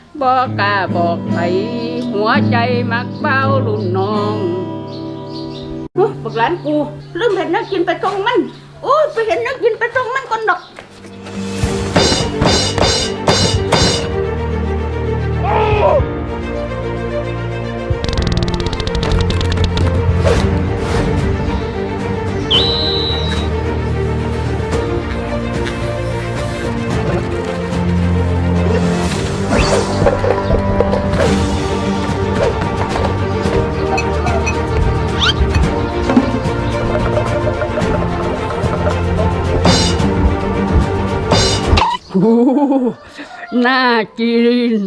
บอกกล้าบอกไผหัวใจมักเบ้ารุ่นน้องบักหลานกูลืมเห็นนักกินไปตรงมันโอ้ยไปเห็นนักกินไปตรงมันก่อนดอกน่ากิน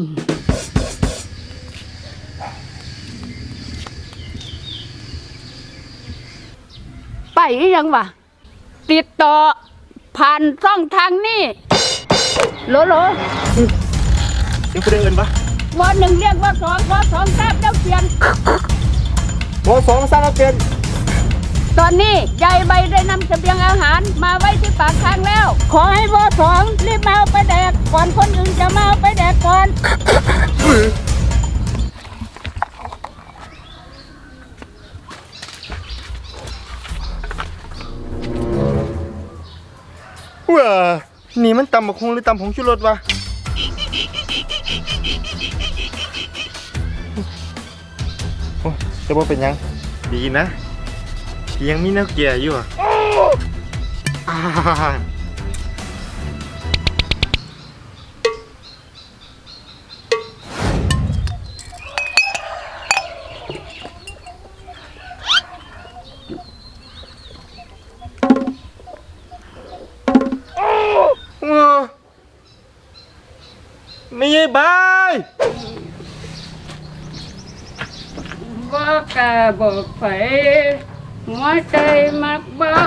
ไปยังวะติดต่อผ่านช่องทางนี่โหลเดี๋ยวกูได้เอินปะวันหนึ่งเรียกว่าสองวสองทราบแล้วเปลี่ยนวสองสร้างแล้วเปลี่ยนตอนนี้ยายใบได้นำเสบียงอาหารมาไว้ที่ปากทางแล้ว ขอให้วสองรีบมาเอาไปแดกก่อนคนอื่นจะมาเอาไปแดกก่อนว้านี่มันตำบักฮุงหรือตำผงชูรสวะโอ้จะว่าเป็นยังดีนะที่ยังมีแนวเกียร์อยู่อ่ะไม่ใช่บายบอกกล้าบอกไผหัวใจมักเบ้า